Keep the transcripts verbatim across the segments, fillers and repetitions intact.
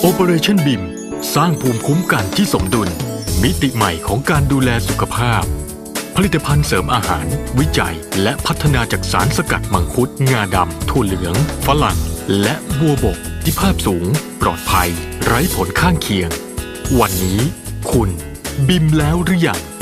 Operation บี เอ็ม สร้างภูมิคุ้มกันที่สมดุลมิติใหม่ของการดูแลสุขภาพผลิตภัณฑ์เสริมอาหารวิจัยและพัฒนาจากสารสกัดมังคุดงาดำถั่วเหลืองฝรั่งและบัวบกที่ภาพสูงปลอดภัยไร้ผลข้างเคียงวันนี้คุณบิมแล้วหรือยัง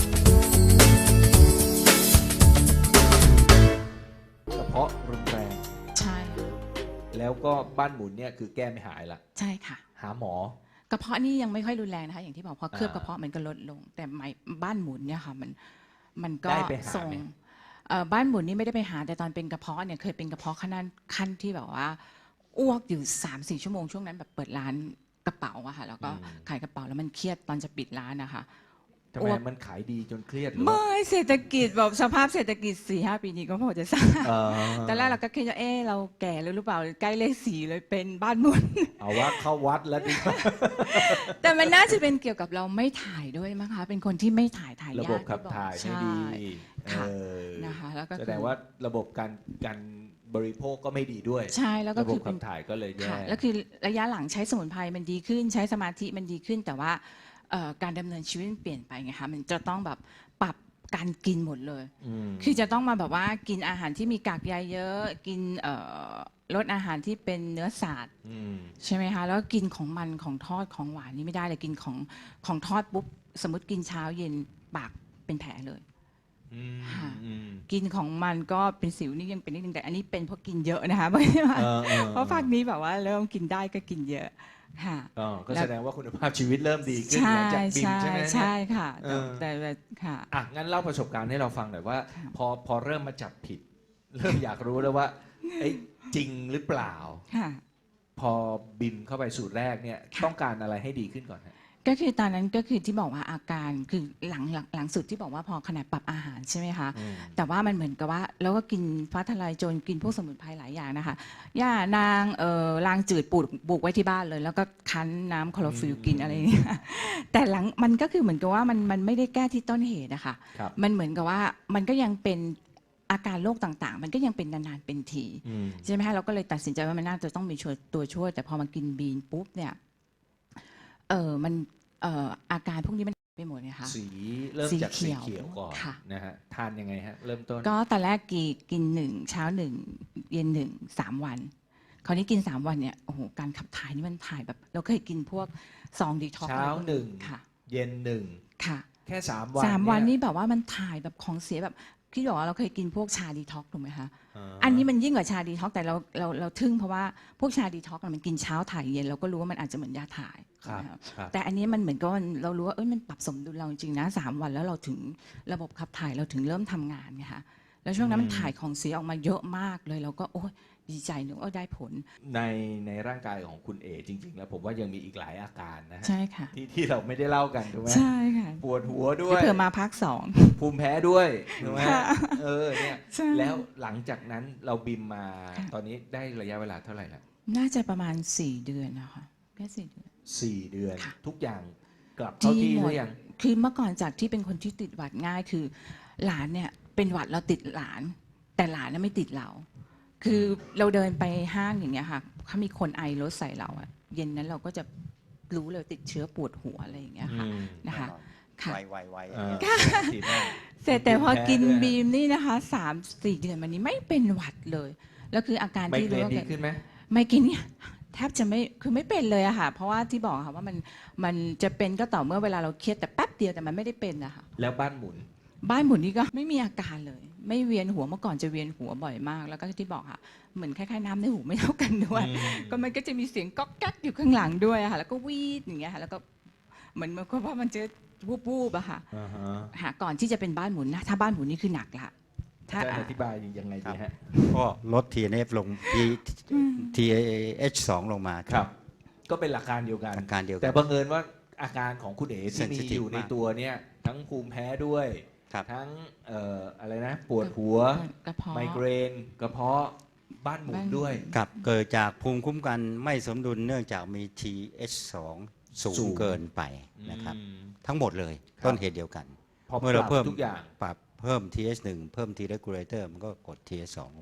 กระเพาะรุนแรงใช่แล้วก็บ้านหมุนเนี่ยคือแก้ไม่หายละใช่ค่ะหาหมอกระเพาะนี่ยังไม่ค่อยรุนแรงนะคะอย่างที่บอกพอเคลือบกระเพาะมันก็ลดลงแต่ไมบ้านหมุนเนี่ยค่ะมันมันก็ส่งบ้านหมุนนี่ไม่ได้ไปหาแต่ตอนเป็นกระเพาะเนี่ยเคยเป็นกระเพาะขั้นขั้นที่แบบว่าอ้วกอยู่สามสี่ชั่วโมงช่วงนั้นแบบเปิดร้านกระเป๋าอะค่ะแล้วก็ขายกระเป๋าแล้วมันเครียดตอนจะปิดร้านนะคะทำไมมันขายดีจนเครียดหรือไม่เศรษฐกิจแบบสภาพเศรษฐกิจสี่ห้าปีนี้ก็พอจะทราบตอนแรกเราก็คิดว่าเออเราแก่แล้วหรือเปล่าใกล้เลขสี่เลยเป็นบ้านหมุนเอาว่าเข้าวัดแล้วดิแต่มันน่าจะเป็นเกี่ยวกับเราไม่ถ่ายด้วยมั้งคะเป็นคนที่ไม่ถ่ายถ่ายยากระบบขับถ่ายไม่ดีนะคะแล้วก็แสดงว่าระบบการการบริโภคก็ไม่ดีด้วยใช่แล้วก็คือระบบขับถ่ายก็เลยแย่แล้วคือระยะหลังใช้สมุนไพรมันดีขึ้นใช้สมาธิมันดีขึ้นแต่ว่าการดำเนินชีวิตเปลี่ยนไปไงคะมันจะต้องแบบปรับการกินหมดเลยคือจะต้องมาแบบว่ากินอาหารที่มีกากใยเยอะกินลดอาหารที่เป็นเนื้อสัตว์ใช่ไหมคะแล้วกินของมันของทอดของหวานนี่ไม่ได้เลยกินของของทอดปุ๊บสมมติกินเช้าเย็นปากเป็นแผลเลยกินของมันก็เป็นสิวนี่ยังเป็นนิดนึงแต่อันนี้เป็นเพราะกินเยอะนะคะเพราะภาคนี้แบบว่าเริ่มกินได้ก็กินเยอะค่ะก็แสดงว่าคุณภาพชีวิตเริ่มดีขึ้นหลังจากบิมใช่ไหมใช่ค่ะแต่ค่ะอ่ะงั้นเล่าประสบการณ์ให้เราฟังหน่อยว่าพอพอเริ่มมาจับผิดเริ่มอยากรู้แล้วว่าจริงหรือเปล่าพอบิมเข้าไปสูตรแรกเนี่ยต้องการอะไรให้ดีขึ้นก่อนก็คือตอนนั้นก็คือที่บอกว่าอาการคือหลังหลังสุดที่บอกว่าพอขนาดปรับอาหารใช่ไหมคะแต่ว่ามันเหมือนกับว่าเราก็กินฟ้าทลายโจรกินพวกสมุนไพรหลายอย่างนะคะย่านางเอ่อลางจืดปลูกปลูกไว้ที่บ้านเลยแล้วก็คั้นน้ำคลอโรฟิลกินอะไรอย่างเงี้ยแต่หลังมันก็คือเหมือนกับว่ามันมันไม่ได้แก้ที่ต้นเหตุนะคะมันเหมือนกับว่ามันก็ยังเป็นอาการโรคต่างๆมันก็ยังเป็นนานๆเป็นทีใช่ไหมคะเราก็เลยตัดสินใจว่ามันน่าจะต้องมีตัวช่วยแต่พอมากินบีนปุ๊บเนี่ยเออมันเอ่ออาการพวกนี้มันไปหมดเลยค่ะสีเริ่มจากสีเขียวก่อนนะฮะทานยังไงฮะเริ่มต้นก็ตอนแรกกีกินหนึ่งเช้าหนึ่งเย็นหนึ่งสามวันคราวนี้กินสามวันเนี่ยโอ้โหการขับถ่ายนี่มันถ่ายแบบเราเคยกินพวกซองดีท็อกซ์เช้าหนึ่งเย็นหนึ่งค่ะแค่สามวันสามวันนี่แบบว่ามันถ่ายแบบของเสียแบบพี่บอกว่าเราเคยกินพวกชาดีท็อกถูกไหมคะอันนี้มันยิ่งกว่าชาดีท็อกแต่เราเราเราทึ่งเพราะว่าพวกชาดีท็อกมันกินเช้าถ่ายเย็นเราก็รู้ว่ามันอาจจะเหมือนยาถ่ายแต่อันนี้มันเหมือนกับเรารู้ว่าเอ้ยมันปรับสมดุลเราจริงนะสามวันแล้วเราถึงระบบขับถ่ายเราถึงเริ่มทำงานไงคะแล้วช่วงนั้นมันถ่ายของเสียออกมาเยอะมากเลยเราก็โอ้ยดีใจนึกว่าได้ผลในในร่างกายของคุณเอจริงๆแล้วผมว่ายังมีอีกหลายอาการนะฮะใช่ค่ะที่ที่เราไม่ได้เล่ากันถูกไหมใช่ค่ะปวดหัวด้วยเผื่อมาพักสองภูมิแพ้ด้วยถูกไหมเออเนี่ยแล้วหลังจากนั้นเราบิมมาตอนนี้ได้ระยะเวลาเท่าไหร่แล้วน่าจะประมาณสี่เดือนนะคะแค่สี่เดือนสี่เดือนทุกอย่างกลับเข้าที่หรือยังคือเมื่อก่อนจากที่เป็นคนที่ติดหวัดง่ายคือหลานเนี่ยเป็นหวัดเราติดหลานแต่หลานน่ะไม่ติดเราคือเราเดินไปห้างอย่างเงี้ยค่ะเขามีคนไอรถใส่เราอะเย็นนั้นเราก็จะรู้เลยติดเชื้อปวดหัวอะไรอย่างเงี้ยค่ะนะคะค่ะไวไวเสร็จแต่พอกินบีมนี่นะคะสามสี่เดือนมานี้ไม่เป็นหวัดเลยแล้วคืออาการที่รู้ว่าดีขึ้นไหมไม่กินเนี่ยแทบจะไม่คือไม่เป็นเลยอะค่ะเพราะว่าที่บอกค่ะว่ามันมันจะเป็นก็ต่อเมื่อเวลาเราเครียดแต่แป๊บเดียวแต่มันไม่ได้เป็นอะค่ะแล้วบ้านหมุนบ้านหมุนนี่ก็ไม่มีอาการเลยไม่เวียนหัวเมื่อก่อนจะเวียนหัวบ่อยมากแล้วก็ที่บอกค่ะเหมือนคล้ายๆน้ำในหูไม่เท่ากันด้วยก็มันก็จะมีเสียงก๊อกแก๊กอยู่ข้างหลังด้วยค่ะแล้วก็วีดอย่างเงี้ยค่ะแล้วก็เหมือนเพราะมันจะวูบๆอะค่ะหาก่อนที่จะเป็นบ้านหมุนนะถ้าบ้านหมุนนี่คือหนักละถ้าอธิบายยังไงดีฮะก็ลด ที เอ็น เอฟ ลง ที เอช สอง ลงมาครับก็เป็นหลักการเดียวกันแต่บังเอิญว่าอาการของคุณเอ๋ที่มีอยู่ในตัวเนี่ยทั้งภูมิแพ้ด้วยทั้งเอ่ออะไรนะปวดหัวไมเกรนกระเพาะบ้านหมุนด้วยครับเกิดจากภูมิคุ้มกันไม่สมดุลเนื่องจากมี ที เอช สอง สูงเกินไปนะครับทั้งหมดเลยต้นเหตุเดียวกันเมื่อเราเพิ่มทุกอย่างปรับเพิ่ม ที เอช หนึ่ง เพิ่ม T regulator มันก็กด ที เอช สอง ลงไป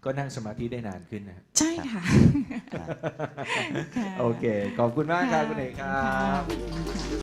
ก็นั่งสมาธิได้นานขึ้นนะใช่ค่ะครับค่ะโอเค ขอบคุณมากครับคุณเอกครัค่ะบ